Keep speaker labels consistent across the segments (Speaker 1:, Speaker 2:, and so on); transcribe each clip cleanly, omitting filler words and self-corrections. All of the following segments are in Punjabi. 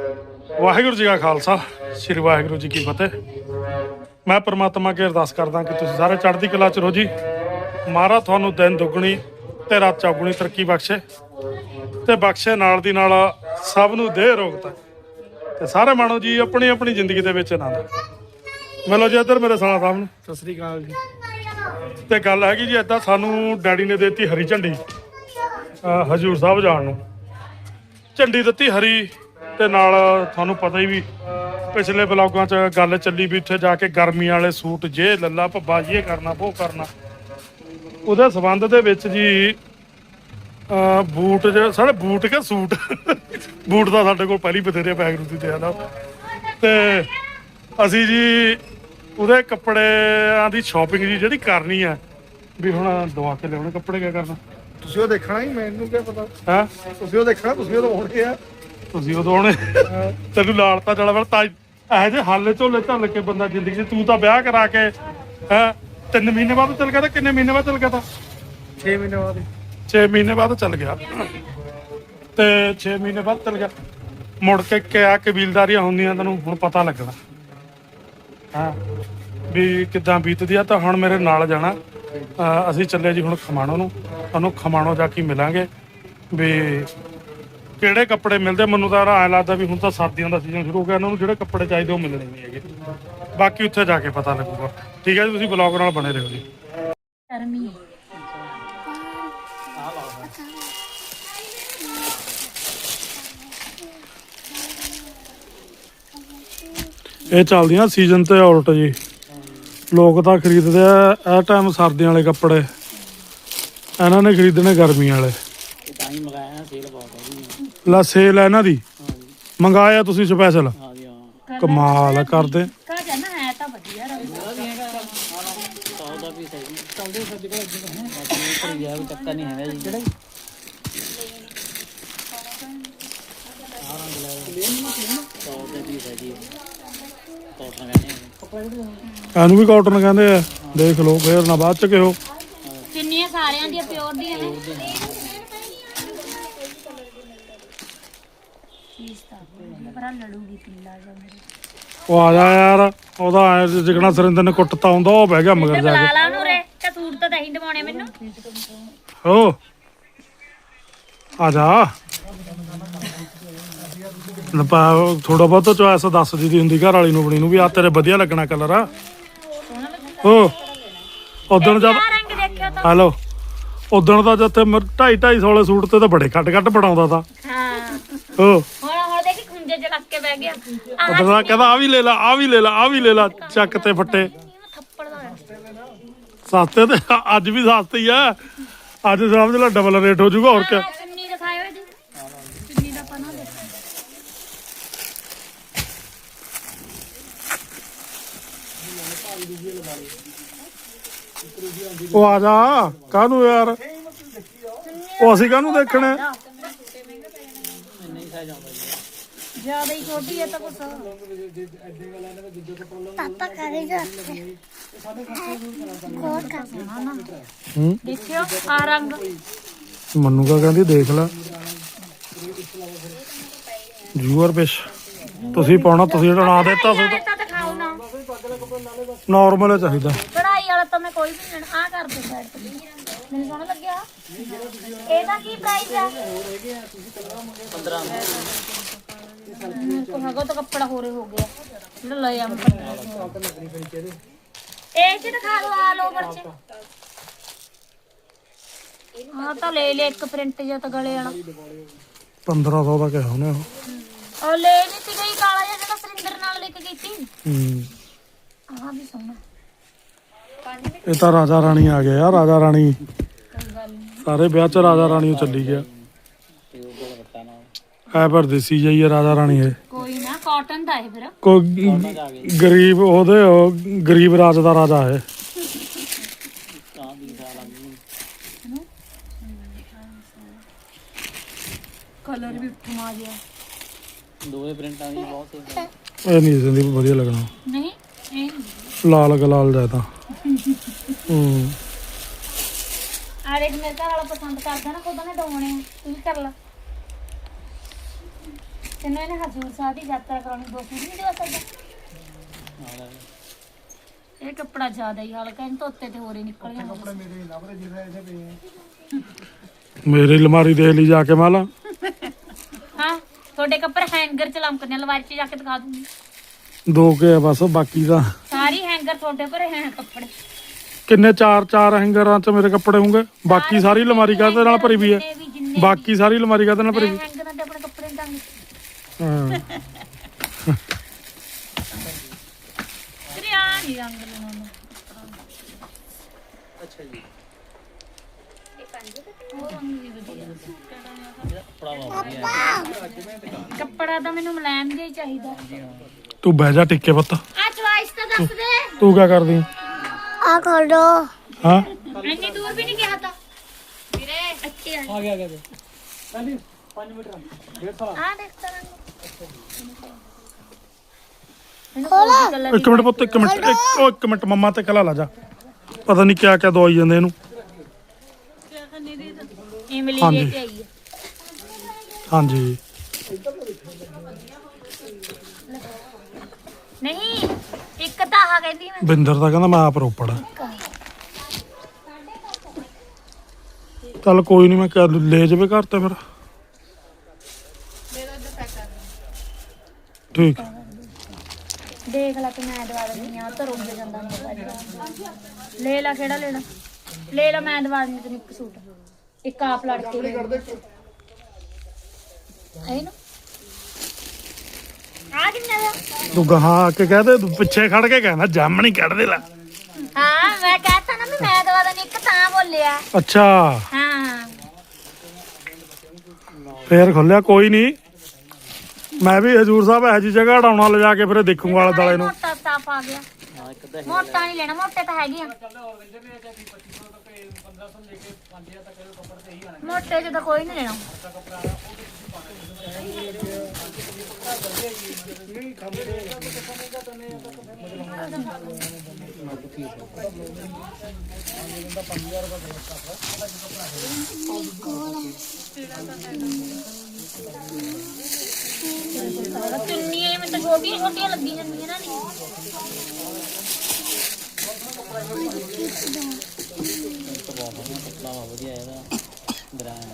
Speaker 1: ਵਾਹਿਗੁਰੂ ਜੀ ਕਾ ਖਾਲਸਾ, ਸ੍ਰੀ ਵਾਹਿਗੁਰੂ ਜੀ ਕੀ ਫਤਿਹ। ਮੈਂ परमात्मा ਅੱਗੇ ਅਰਦਾਸ ਕਰਦਾ ਕਿ ਤੁਸੀਂ ਸਾਰੇ ਚੜ੍ਹਦੀ ਕਲਾ 'ਚ ਰਹੋ ਜੀ। ਮਹਾਰਾਜ ਤੁਹਾਨੂੰ ਦਿਨ ਦੁੱਗਣੀ ਤੇ ਰਾਤ ਚੌਗੁਣੀ ਤਰੱਕੀ ਬਖਸ਼ੇ ਤੇ ਬਖਸ਼ੇ ਨਾਲ ਦੀ ਨਾਲ ਸਭ ਨੂੰ ਦੇ ਰੋਗਤਾ ਤੇ ਸਾਰੇ ਮਾਣੋ ਜੀ ਆਪਣੀ ਆਪਣੀ ਜ਼ਿੰਦਗੀ ਦੇ ਵਿੱਚ ਆਨੰਦ ਮਿਲੋ ਜੀ। ਇੱਧਰ ਮੇਰੇ ਸਾਲਾ ਸਾਹਿਬ ਨੂੰ ਸਤਿ ਸ੍ਰੀ ਅਕਾਲ ਜੀ। ਤੇ ਗੱਲ ਹੈਗੀ ਜੀ ਏਦਾਂ, ਸਾਨੂੰ ਡੈਡੀ ਨੇ ਦਿੱਤੀ ਹਰੀ ਝੰਡੀ ਹਜ਼ੂਰ ਸਾਹਿਬ ਜਾਣ ਨੂੰ। ਝੰਡੀ ਦਿੱਤੀ ਹਰੀ ਤੇ ਨਾਲ ਤੁਹਾਨੂੰ ਪਤਾ ਹੀ ਵੀ ਪਿਛਲੇ ਬਲੌਗਾਂ 'ਚ ਗੱਲ ਚੱਲੀ ਵੀ ਉੱਥੇ ਜਾ ਕੇ ਗਰਮੀ ਵਾਲੇ ਸੂਟ ਜੇ ਲੱਲਾ ਭੱਬਾ ਇਹ ਕਰਨਾ ਉਹ ਕਰਨਾ। ਉਹਦੇ ਸੰਬੰਧ ਦੇ ਵਿੱਚ ਜੀ ਬੂਟ ਸਾਡੇ ਬੂਟ ਕੇ ਸੂਟ ਬੂਟ ਦਾ ਸਾਡੇ ਕੋਲ ਪਹਿਲੀ ਬਥੇਰੇ ਪੈਗਰੂ ਦੀ ਤੇ ਨਾ, ਤੇ ਅਸੀਂ ਜੀ ਉਹਦੇ ਕੱਪੜਿਆਂ ਦੀ ਸ਼ਾਪਿੰਗ ਜੀ ਜਿਹੜੀ ਕਰਨੀ ਹੈ ਵੀ ਹੁਣ ਦਵਾ ਕੇ ਲਿਆਉਣੇ ਕੱਪੜੇ। ਕਿਆ ਕਰਨਾ
Speaker 2: ਤੁਸੀਂ ਉਹ ਦੇਖਣਾ ਹੀ, ਮੈਨੂੰ ਕੀ ਪਤਾ
Speaker 1: ਹੈ?
Speaker 2: ਤੁਸੀਂ ਉਹ ਦੇਖਣਾ, ਤੁਸੀਂ ਉਹ ਹੋਣੇ ਆ,
Speaker 1: ਤੁਸੀਂ ਉਦੋਂ ਆਉਣੇ ਤੈਨੂੰ ਲਾਲਤਾ ਚਲਾ ਵਾ ਤਾਂ ਇਹੋ ਜਿਹੇ ਹਾਲੇ ਝੋਲੇ ਝੱਲ ਕੇ ਬੰਦਾ ਜ਼ਿੰਦਗੀ 'ਚ। ਤੂੰ ਤਾਂ ਵਿਆਹ ਕਰਾ ਕੇ 3 ਮਹੀਨੇ ਬਾਅਦ ਚੱਲ ਗਿਆ ਤਾਂ ਕਿੰਨੇ ਮਹੀਨੇ ਬਾਅਦ ਚੱਲ ਗਿਆ ਤਾਂ
Speaker 2: 6 ਮਹੀਨੇ ਬਾਅਦ
Speaker 1: 6 ਮਹੀਨੇ ਬਾਅਦ ਚੱਲ ਗਿਆ ਤੇ 6 ਮਹੀਨੇ ਬਾਅਦ ਚੱਲ ਗਿਆ। ਮੁੜ ਕੇ ਕਿਆ ਕਬੀਲਦਾਰੀਆਂ ਹੁੰਦੀਆਂ ਤੈਨੂੰ ਹੁਣ ਪਤਾ ਲੱਗਣਾ ਹਾਂ ਵੀ ਕਿੱਦਾਂ ਬੀਤਦੀ ਆ। ਤਾਂ ਹੁਣ ਮੇਰੇ ਨਾਲ ਜਾਣਾ, ਅਸੀਂ ਚੱਲੇ ਜੀ ਹੁਣ ਖਮਾਣੋ ਨੂੰ। ਤੁਹਾਨੂੰ ਖਮਾਣੋ ਜਾ ਕੇ ਮਿਲਾਂਗੇ ਵੀ ਕਿਹੜੇ ਕੱਪੜੇ ਮਿਲਦੇ। ਮੈਨੂੰ ਤਾਂ ਐਂ ਲੱਗਦਾ ਵੀ ਹੁਣ ਤਾਂ ਸਰਦੀਆਂ ਦਾ ਸੀਜ਼ਨ ਸ਼ੁਰੂ ਹੋ ਗਿਆ, ਇਹਨਾਂ ਨੂੰ ਜਿਹੜੇ ਕੱਪੜੇ ਚਾਹੀਦੇ ਉਹ ਮਿਲਣੇ ਨਹੀਂ ਹੈਗੇ। ਬਾਕੀ ਉੱਥੇ ਜਾ ਕੇ ਪਤਾ ਲੱਗੂਗਾ। ਠੀਕ ਹੈ ਜੀ, ਤੁਸੀਂ ਬਲੌਗ ਨਾਲ ਬਣੇ ਰਹੋ ਜੀ। ਇਹ ਚੱਲਦੀਆਂ ਸੀਜ਼ਨ ਤੇ ਉਲਟ ਜੀ। ਲੋਕ ਤਾਂ ਖਰੀਦਦੇ ਆ ਇਹ ਟਾਈਮ ਸਰਦੀਆਂ ਵਾਲੇ ਕੱਪੜੇ, ਇਹਨਾਂ ਨੇ ਖਰੀਦਣੇ ਗਰਮੀਆਂ ਵਾਲੇ। ਲਾ ਸੇਲ ਹੈ ਇਹਨਾਂ ਦੀ, ਮੰਗਾਇਆ ਤੁਸੀਂ ਸਪੈਸ਼ਲ? ਕਮਾਲ ਕਰਦੇ। ਇਹਨੂੰ ਵੀ ਕਾਟਨ ਕਹਿੰਦੇ ਆ, ਦੇਖ ਲਓ ਫੇਰ ਨਾ ਬਾਅਦ ਚ ਕਿਹੋ।
Speaker 3: ਚੁੰਨੀਆਂ ਸਾਰਿਆਂ ਦੀਆਂ ਪਿਓਰ ਦੀਆਂ ਨੇ।
Speaker 1: ਉਹ ਆ ਜਾ ਯਾਰ, ਉਹਦਾ ਜਿਗਣਾ ਸੁਰਿੰਦਰ ਨੇ ਕੁੱਟਤਾ ਹੁੰਦਾ ਉਹ ਬਹਿ ਗਿਆ ਮਗਰ ਜਾ ਕੇ।
Speaker 3: ਲਾ ਨੂੰ ਰੇ ਤੇ ਸੂਟ ਤਾਂ ਦਹੀਂ ਦਵਾਉਣੇ ਮੈਨੂੰ।
Speaker 1: ਹੋ ਆ ਜਾ ਥੋੜਾ ਬਹੁਤ ਚੋਇਸ ਦੱਸ ਦੀ ਹੁੰਦੀ ਘਰ ਵਾਲੀ ਨੂੰ ਆਪਣੀ ਨੂੰ ਵੀ ਆ ਤੇਰੇ ਵਧੀਆ ਲੱਗਣਾ ਕਲਰ ਆ। ਹੋ ਉਦਣ ਜਦ ਹੈਲੋ ਉਦਣ ਦਾ ਜਿੱਥੇ 250-250 ਵਾਲੇ ਸੂਟ ਤੇ ਤਾਂ ਬੜੇ ਕੱਟ ਬਣਾਉਂਦਾ ਤਾ। ਹੋ
Speaker 3: ਹੁਣ ਦੇਖੀ ਖੁੰਝੇ ਚ ਲੱਗ ਕੇ ਬਹਿ ਗਿਆ।
Speaker 1: ਉਦੋਂ ਕਹਿੰਦਾ ਆ ਵੀ ਲੈ ਲਾ, ਆ ਵੀ ਲੈ ਲਾ, ਆ ਵੀ ਲੈ ਲਾ, ਚੱਕ ਤੇ ਫੱਟੇ ਸਸਤੇ। ਤੇ ਅੱਜ ਵੀ ਸਸਤੇ ਹੀ ਆ, ਅੱਜ ਸਮਝ ਲਾ ਡਬਲ ਰੇਟ ਹੋ ਜਾਊਗਾ। ਹੋਰ ਕਿਆ
Speaker 3: ਚੁੰਨੀ ਦਿਖਾਇਓ ਇਹਦੀ, ਚੁੰਨੀ ਦਾ ਪਨਾ ਦੇਖੋ।
Speaker 1: ਉਹ ਆ ਜਾ ਕਾਹਨੂੰ ਯਾਰ, ਉਹ ਅਸੀਂ ਕਾਹਨੂੰ ਦੇਖਣਾ।
Speaker 3: ਜਿਆਦਾ ਹੀ ਛੋਟੀ ਹੈ ਤਾਂ ਕੁਛ
Speaker 4: ਪਾਪਾ ਕਰੇ ਜਾ
Speaker 3: ਦੇਖਿਓ ਆ ਰੰਗ।
Speaker 1: ਮੰਨੂ ਕਾ ਕਹਿੰਦੀ ਦੇਖ ਲੈ ਜੂਅਰ ਪਿਸ਼ ਤੁਸੀਂ ਪਾਉਣਾ, ਤੁਸੀਂ ਜਿਹੜਾ ਨਾ ਦਿੱਤਾ ਸੂਟ
Speaker 3: ਤਾਂ ਦਿਖਾਓ ਨਾ,
Speaker 1: ਨਾਰਮਲ ਚਾਹੀਦਾ।
Speaker 3: ਕਢਾਈ ਵਾਲਾ ਤਾਂ ਮੈਂ ਕੋਈ ਵੀ ਨਹੀਂ ਲੈਣਾ। ਆ ਕਰ ਦੇ ਸਾਈਡ ਤੇ, ਮੈਨੂੰ ਸੋਹਣਾ ਲੱਗਿਆ। ਇਹਦਾ ਕੀ ਪ੍ਰਾਈਸ ਹੈ? 15 ਕੋਲ ਤਾਂ ਕੱਪੜਾ ਹੋਰੇ ਹੋ ਗਿਆ ਜਿਹੜਾ ਲੈ ਆ। ਇਹ ਚ ਦਿਖਾ ਦੋ ਆ ਲੋ ਬੱਚੇ। ਹਾਂ ਤਾਂ ਲੈ ਇੱਕ ਪ੍ਰਿੰਟ ਜਿਹਾ ਤਾਂ ਗਲੇ ਵਾਲਾ
Speaker 1: 1500 ਦਾ ਕਿਹਾ ਉਹਨੇ।
Speaker 3: ਉਹ ਲੈ ਨਹੀਂ ਸੀ ਗਈ ਕਾਲਾ ਜਿਹਾ ਜਿਹੜਾ ਸੁਰਿੰਦਰ ਨਾਲ ਲੈ ਕੇ ਗਈ ਸੀ। ਆਹ ਵੀ ਸੋਹਣਾ।
Speaker 1: ਇਹ ਤਾਂ ਰਾਜਾ ਰਾਣੀ ਆ ਗਿਆ ਯਾਰ, ਰਾਜਾ ਰਾਣੀ ਸਾਰੇ ਵਿਆਹ ਚ ਰਾਜਾ ਰਾਣੀ ਉਹ ਚੱਲੀ ਗਿਆ। ਹੈ ਪਰ ਦੇਸੀ ਜਾਈ ਹੈ ਰਾਜਾ ਰਾਣੀ। ਇਹ
Speaker 3: ਕੋਈ ਨਾ ਕਾਟਨ ਦਾ ਹੈ ਫਿਰ।
Speaker 1: ਕੋਈ ਗਰੀਬ ਉਹਦੇ ਗਰੀਬ ਰਾਜ ਦਾ ਰਾਜਾ ਹੈ।
Speaker 3: ਕਲਰ ਵੀ ਠਮਾ ਗਿਆ।
Speaker 5: ਦੋਵੇਂ ਪ੍ਰਿੰਟਾਂ ਦੀ ਬਹੁਤ ਸੇਮ।
Speaker 1: ਇਹ ਨਹੀਂ ਸੰਦੀਪ ਵਧੀਆ ਲੱਗਣਾ।
Speaker 3: ਨਹੀਂ ਇਹ
Speaker 1: ਲਾਲ ਗਲਾਲ ਜਾ ਤਾਂ
Speaker 3: ਆ ਦੇਖ ਮੇਰੇ ਘਰ ਵਾਲਾ ਪਸੰਦ ਕਰਦਾ ਨਾ, ਖੁਦ ਨੇ ਦਵਾਉਣੇ ਤੂੰ ਵੀ ਕਰ ਲਾ। ਤੈਨੂੰ ਇਹਨੇ ਹਜ਼ੂਰ ਸਾਹਿਬ ਦੀ ਯਾਤਰਾ ਕਰਾਉਣੀ 2 ਸੂਟ ਨਹੀਂ ਦਿਵਾ ਸਕਦਾ ਇਹ ਕੱਪੜਾ ਜ਼ਿਆਦਾ ਹੀ ਹਲਕਾ ਇਹਨੂੰ ਧੋਤੇ ਤੇ ਹੋਰੇ ਨਿਕਲ ਜਾਣਾ
Speaker 2: ਕੱਪੜੇ ਮੇਰੇ ਲੱਭ ਰਹੇ ਜਿਹੜੇ ਇਹਦੇ ਪਏ ਆ
Speaker 1: ਮੇਰੀ ਅਲਮਾਰੀ ਦੇਖ ਲਈ ਜਾ ਕੇ ਮਾਲਾ
Speaker 3: ਹਾਂ ਤੁਹਾਡੇ ਕੱਪੜੇ ਹੈਂਗਰ ਚ ਲਮਕਦੇ ਆ ਲਵਾਰੀ ਚ ਜਾ ਕੇ ਦਿਖਾ ਦੂੰਗੀ
Speaker 1: 2 ਕੇ ਆ ਬਸ ਬਾਕੀ ਦਾ
Speaker 3: ਸਾਰੀ ਹੈਂਗਰ ਤੁਹਾਡੇ ਭਰੇ ਹੈ ਕੱਪੜੇ
Speaker 1: ਕਿੰਨੇ 4 ਹੈਂਗਰਾਂ 'ਚ ਮੇਰੇ ਕੱਪੜੇ ਹੋਣਗੇ ਬਾਕੀ ਸਾਰੀ ਅਲਮਾਰੀ ਕਾਹਦੇ ਨਾਲ ਭਰੀ ਵੀ ਹੈ ਬਾਕੀ ਸਾਰੀ ਅਲਮਾਰੀ ਕਾਹਦੇ ਨਾਲ ਭਰੀ ਵੀ
Speaker 3: ਹੈਂਗਰਾਂ ਤੇ ਆਪਣੇ ਕੱਪੜੇ ਟੰਗ
Speaker 1: ਹਾਂ
Speaker 3: ਤੇਰੇ ਆ ਨਹੀਂ ਰੰਗ ਲਾਉਣਾ
Speaker 5: ਅੱਛਾ ਜੀ
Speaker 3: ਉਹ ਰੰਗ ਵੀ ਵਧੀਆ
Speaker 5: ਪੜਾਵਾ ਵਧੀਆ
Speaker 3: ਕੱਪੜਾ ਤਾਂ ਮੈਨੂੰ ਮੁਲਾਇਮ ਜਿਹਾ ਹੀ ਚਾਹੀਦਾ
Speaker 1: ਤੂੰ ਬਹਿ ਜਾ ਟਿੱਕੇ ਪੁੱਤ
Speaker 3: ਆ ਚੁਆਇਸ ਤਾਂ ਦੱਸ ਦੇ
Speaker 1: ਤੂੰ ਕੀ ਕਰਦੀ
Speaker 3: ਆ ਖੋਲੋ
Speaker 1: ਹਾਂ
Speaker 3: ਇੰਨੀ ਦੂਰ ਵੀ ਨਹੀਂ ਗਿਆ ਤਾਂ ਵੀਰੇ ਅੱਛੇ
Speaker 5: ਆ ਗਿਆ ਪਹਿਲੀ 5 ਮੀਟਰ
Speaker 3: ਆ ਦੇਖ ਤਾਂ ਰੰਗ ਖੋਲਾ
Speaker 1: ਇੱਕ ਮਿੰਟ ਪੁੱਤ ਇੱਕ ਮਿੰਟ ਮੰਮਾ ਤੇ ਕਲਾ ਲਾ ਜਾ ਪਤਾ ਨਹੀਂ ਕਿਆ ਕਿਆ ਦਵਾਈ ਜਾਂਦੇ ਇਹਨੂੰ
Speaker 3: ਇਮਲੀ
Speaker 1: ਹਾਂਜੀ।
Speaker 3: ਲੈ ਕੇ ਆਈ ਹੈ
Speaker 1: ਹਾਂਜੀ
Speaker 3: ਨਹੀਂ ਇੱਕ ਤਾਂ ਆ ਕਹਿੰਦੀ ਮੈਂ
Speaker 1: ਬਿੰਦਰ ਦਾ ਕਹਿੰਦਾ ਮੈਂ ਆਪ ਰੋਪੜ ਆ ਚੱਲ ਕੋਈ ਨਹੀਂ ਮੈਂ ਲੈ ਜਾਵੇ ਘਰ ਤੇ ਫਿਰ ਠੀਕ
Speaker 3: ਦੇਖ ਲੈ ਕਿ ਮੈਂ ਦਵਾ ਦਿੰਦੀ ਆ ਤਾਂ ਰੁੱਝ ਜਾਂਦਾ ਹੁੰਦਾ ਲੈ ਲੈ ਕਿਹੜਾ ਲੈਣਾ ਲੈ ਲੈ ਮੈਂ ਦਵਾ ਦਿੰਦੀ ਤੈਨੂੰ ਇੱਕ ਸੂਟ ਇੱਕ ਆਪ ਲੜ ਕੇ ਲੈ ਹੈ ਨਾ ਆ ਕਿੰਨਾ ਦਾ
Speaker 1: ਤੂੰ ਗਾਹਾਂ ਆ ਕੇ ਕਹਦੇ ਤੂੰ ਪਿੱਛੇ ਖੜ ਕੇ ਕਹਿੰਦਾ ਜੰਮ ਨਹੀਂ ਕੱਢਦੇ ਲਾ
Speaker 3: ਹਾਂ ਮੈਂ ਕਹਤਾ ਨਾ ਵੀ ਮੈਂ ਦਵਾ ਦਿੰਦੀ ਇੱਕ ਤਾਂ ਬੋਲਿਆ
Speaker 1: ਅੱਛਾ
Speaker 3: ਹਾਂ
Speaker 1: ਫੇਰ ਖੋਲਿਆ ਕੋਈ ਨਹੀਂ ਮੈਂ ਵੀ ਹਜੂਰ ਸਾਹਿਬ ਇਹੋ ਜਿਹੀ ਜਗ੍ਹਾ ਹਟਾਉਣਾ ਲਿਜਾ ਕੇ ਫਿਰ ਦੇਖੂਗਾ ਆਲੇ ਦੁਆਲੇ ਨੂੰ
Speaker 3: ਮੋਟਾ ਸਟਾਫ ਆ ਗਿਆ
Speaker 5: ਹਾਂ ਇੱਕ ਤਾਂ
Speaker 3: ਮੋਟਾ ਨਹੀਂ ਲੈਣਾ ਮੋਟੇ ਤਾਂ ਹੈਗੇ ਆ ਮੋਟੇ ਚ ਤਾਂ ਕੋਈ ਨਹੀਂ ਲੈਣਾ ਚੁੰਨੀਆਂ ਮੈਨੂੰ ਤਾਂ ਛੋਟੀਆਂ ਛੋਟੀਆਂ ਲੱਗੀ ਜਾਂਦੀਆਂ ਨਾ ਨਹੀਂ
Speaker 5: ਪੜਾਵਾ ਵਧੀਆ ਇਹਦਾ ਬ੍ਰਾਂਡ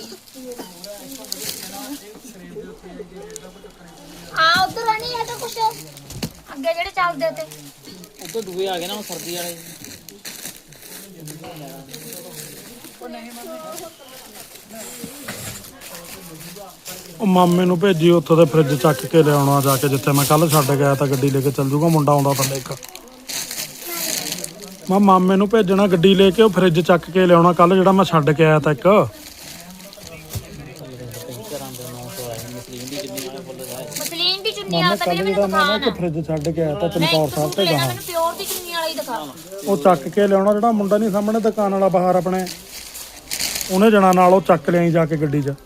Speaker 3: ਆ ਉਧਰ ਨਹੀਂ ਹੈ ਤਾਂ ਕੁਛ ਅੱਗੇ ਜਿਹੜੇ ਚੱਲਦੇ ਤੇ
Speaker 5: ਉਦੋਂ ਦੂਏ ਆ ਗਏ ਨਾ ਉਹ ਸਰਦੀ ਵਾਲੇ
Speaker 1: ਉਹ ਮਾਮੇ ਨੂੰ ਭੇਜੀ ਉੱਥੋਂ ਦੇ ਫ੍ਰਿਜ ਚੱਕ ਕੇ ਲਿਆਉਣਾ ਜਾ ਕੇ ਜਿੱਥੇ ਮੈਂ ਕੱਲ ਛੱਡ ਗਿਆ ਤਾਂ ਗੱਡੀ ਲੈ ਕੇ ਚੱਲ ਜੂਗਾ ਮੁੰਡਾ ਆਉਂਦਾ ਥੱਲੇ ਇੱਕ ਮੈਂ ਮਾਮੇ ਨੂੰ ਭੇਜਣਾ ਗੱਡੀ ਲੈ ਕੇ ਉਹ ਫ੍ਰਿਜ ਚੱਕ ਕੇ ਲਿਆਉਣਾ ਕੱਲ ਜਿਹੜਾ ਮੈਂ ਛੱਡ ਕੇ ਆਇਆ ਤਾਂ ਇੱਕ
Speaker 5: ਘਰਾਂ ਦੇ 900 ਆਏ ਮਸਲੀਨ ਦੀ ਜਿੰਨੀ ਵਾਲੇ ਫੁੱਲ ਆਏ
Speaker 3: ਮਸਲੀਨ ਦੀ ਚੁੰਨੀ ਵਾਲਾ ਤਾਂ ਵੀਰੇ ਮੈਨੂੰ ਦਿਖਾ ਨਾ
Speaker 1: ਫ੍ਰਿਜ ਛੱਡ ਕੇ ਆਇਆ ਤਾਂ
Speaker 3: ਮੈਂ
Speaker 1: ਚਮਕੌਰ
Speaker 3: ਇੱਕ
Speaker 1: ਸਾਹਿਬ
Speaker 3: ਸੂਟ
Speaker 1: ਤੇ
Speaker 3: ਲੈਣਾ
Speaker 1: ਗਾਹਾਂ
Speaker 3: ਮੈਨੂੰ ਪਿਓਰ ਦੀ ਚੁੰਨੀ ਵਾਲਾ ਹੀ ਦਿਖਾ
Speaker 1: ਉਹ ਚੱਕ ਕੇ ਲਿਆਉਣਾ ਜਿਹੜਾ ਮੁੰਡਾ ਨਹੀਂ ਸਾਹਮਣੇ ਦੁਕਾਨ ਵਾਲਾ ਬਾਹਰ ਆਪਣੇ ਉਹਨੇ ਜਣਾ ਨਾਲ ਉਹ ਚੱਕ ਲਿਆਈ ਜਾ ਕੇ ਗੱਡੀ 'ਚ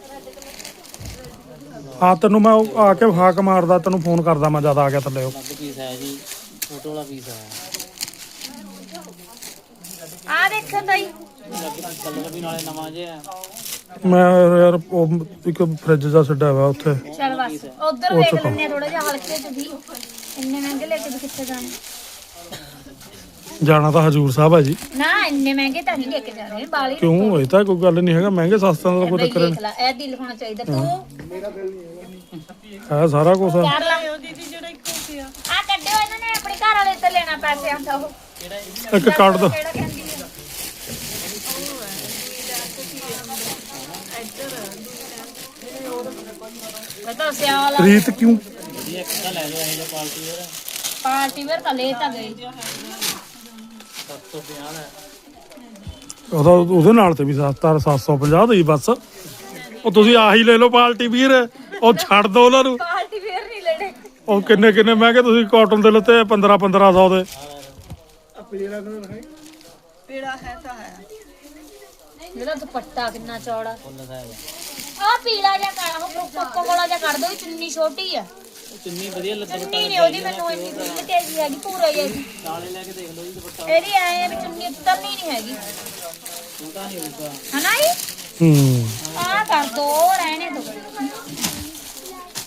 Speaker 1: ਹਾਂ ਤੈਨੂੰ ਮੈਂ ਉਹ ਆ ਕੇ ਹਾਕ ਮਾਰਦਾ ਤੈਨੂੰ ਫੋਨ ਕਰਦਾ ਮੈਂ ਜਦ ਆ ਗਿਆ ਥੱਲੇ ਉਹ
Speaker 5: ਅਲੱਗ ਪੀਸ ਆਇਆ ਜੀ ਫੋਟੋ ਵਾਲਾ ਪੀਸ ਆਇਆ
Speaker 3: ਆ ਦੇਖੋ ਤਾਈ
Speaker 5: ਕਲਰ ਵੀ ਨਾਲੇ ਨਵਾਂ ਜਿਹਾ
Speaker 1: ਮੈਂ ਯਾਰ ਉਹ ਇੱਕ ਫ੍ਰਿਜ ਦਾ ਛੱਡਿਆ ਵਾ ਉੱਥੇ
Speaker 3: ਚਲ ਬਸ ਉਧਰ ਦੇਖ ਲੈਣੇ ਆ ਥੋੜਾ ਜਿਹਾ ਹਲਕੇ ਚ ਵੀ ਇੰਨੇ ਮਹਿੰਗੇ ਲੈ ਕੇ ਵੀ ਕਿੱਥੇ ਜਾਣੇ
Speaker 1: ਜਾਣਾ ਤਾਂ ਹਜੂਰ ਸਾਹਿਬ ਹੈ ਜੀ
Speaker 3: ਨਾ ਇੰਨੇ ਮਹਿੰਗੇ ਤਾਂ ਨਹੀਂ ਲੈ ਕੇ ਜਾਣੇ ਬਾਲੀ
Speaker 1: ਕਿਉਂ ਇਹ ਤਾਂ ਕੋਈ ਗੱਲ ਨਹੀਂ ਹੈਗਾ ਮਹਿੰਗੇ ਸਸਤਿਆਂ ਦਾ ਕੋਈ ਚੱਕਰ
Speaker 3: ਦੇਖ ਲੈ ਇਹ ਦਿਲ ਹੋਣਾ ਚਾਹੀਦਾ ਤੂੰ
Speaker 1: ਨਹੀਂ ਹੈ ਸਾਰਾ ਕੁਝ
Speaker 3: ਕਰ ਲੈ ਦੀਦੀ ਜਿਹੜਾ ਇੱਕੋ ਪਿਆ ਆ ਕੱਢਿਓ ਇਹਨਾਂ ਨੇ ਆਪਣੇ ਘਰ ਵਾਲੇ ਤੇ ਲੈਣਾ ਪੈਸੇ ਆਂਦਾ ਉਹ
Speaker 1: ਇੱਕ ਕੱਢ ਦੋ
Speaker 3: ਕਿਹੜਾ ਕਹਿੰਦੀ ਆ ਮੈਂ ਤਾਂ ਸਿਆਲ
Speaker 1: ਰੀਤ ਕਿਉਂ
Speaker 5: ਵਧੀਆ ਇੱਕ ਤਾਂ ਲੈ ਲਓ ਇਹ ਜਿਹਾ ਪਾਰਟੀ ਵੇਅਰ
Speaker 3: ਪਾਰਟੀ ਵੇਅਰ ਤਾਂ ਲੈ ਤਾਂ ਗਈ
Speaker 5: 750 ਦਾ
Speaker 1: ਉਹਦਾ ਉਹਦੇ ਨਾਲ ਤੇ ਵੀ 750 ਦੀ ਬਸ ਉਹ ਤੁਸੀਂ ਆਹੀ ਲੈ ਲਓ ਪਾਰਟੀ ਵੀਰ ਉਹ ਛੱਡ ਦੋ ਉਹਨਾਂ ਨੂੰ
Speaker 3: ਪਾਰਟੀ ਵੇਅਰ ਨਹੀਂ ਲੈਣੇ
Speaker 1: ਉਹ ਕਿੰਨੇ ਮਹਿੰਗੇ ਤੁਸੀਂ ਕਾਟਨ ਦੇ ਲੱਤੇ 1500 ਦੇ
Speaker 3: ਇਹਦਾ ਦੁਪੱਟਾ ਕਿੰਨਾ ਚੌੜਾ
Speaker 5: ਫੁੱਲ ਸਾਹਿਬ
Speaker 3: ਆ ਪੀਲਾ ਜਿਹਾ ਕਰ ਉਹ ਕੋਕੋ ਕੋਲਾ ਜਿਹਾ ਕੱਢ ਦੋ ਚੁੰਨੀ ਛੋਟੀ ਆ
Speaker 5: ਚੁੰਨੀ ਵਧੀਆ ਲੱਗੇ
Speaker 3: ਚੁੰਨੀ ਨਹੀਂ ਉਹਦੀ ਮੈਨੂੰ ਇੰਨੀ ਬਿੱਲ ਤੇਜ਼ੀ ਹੈਗੀ ਪੂਰਾ ਹੀ ਹੈਗੀ
Speaker 5: ਨਾਲੇ ਲੈ ਕੇ ਦੇਖ ਲਓ ਜੀ ਦੁਪੱਟਾ
Speaker 3: ਇਹਦੀ ਐ ਆ ਵੀ ਚੁੰਨੀ ਉਤਰਨੀ ਨਹੀਂ ਹੈਗੀ
Speaker 5: ਛੋਟਾ ਨਹੀਂ ਹੋਊਗਾ
Speaker 3: ਹਨਾ ਜੀ
Speaker 1: ਹੂੰ
Speaker 3: ਆ ਕਰ ਦੋ ਰਹਿਣੇ ਦੋ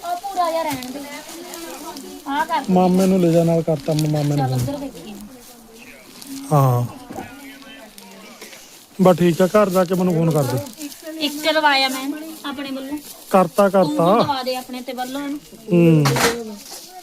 Speaker 3: ਜਿਹਾ ਰਹਿਣ ਦੇ ਆ ਕਰ
Speaker 1: ਮਾਮੇ ਨੂੰ ਲੈ ਜਾ ਨਾਲ ਕਰਤਾ ਮੈਂ ਮਾਮੇ ਨੂੰ
Speaker 3: ਚੱਲ
Speaker 1: phone।
Speaker 3: ਉੱਧਰ ਦੇਖੀ
Speaker 1: ਹਾਂ ਬਸ ਠੀਕ ਆ ਘਰ ਜਾ ਕੇ ਮੈਨੂੰ ਫੋਨ ਕਰ ਦੇ
Speaker 3: ਇੱਕ ਲਵਾਇਆ ਮੈਂ ਆਪਣੇ ਵੱਲੋਂ
Speaker 1: ਕਰਤਾ
Speaker 3: ਤੂੰ
Speaker 1: ਕਰਤਾ
Speaker 3: ਦਵਾ ਦੇ ਆਪਣੇ ਤੇ ਵੱਲੋਂ ਇਹਨੂੰ
Speaker 1: ਹੂੰ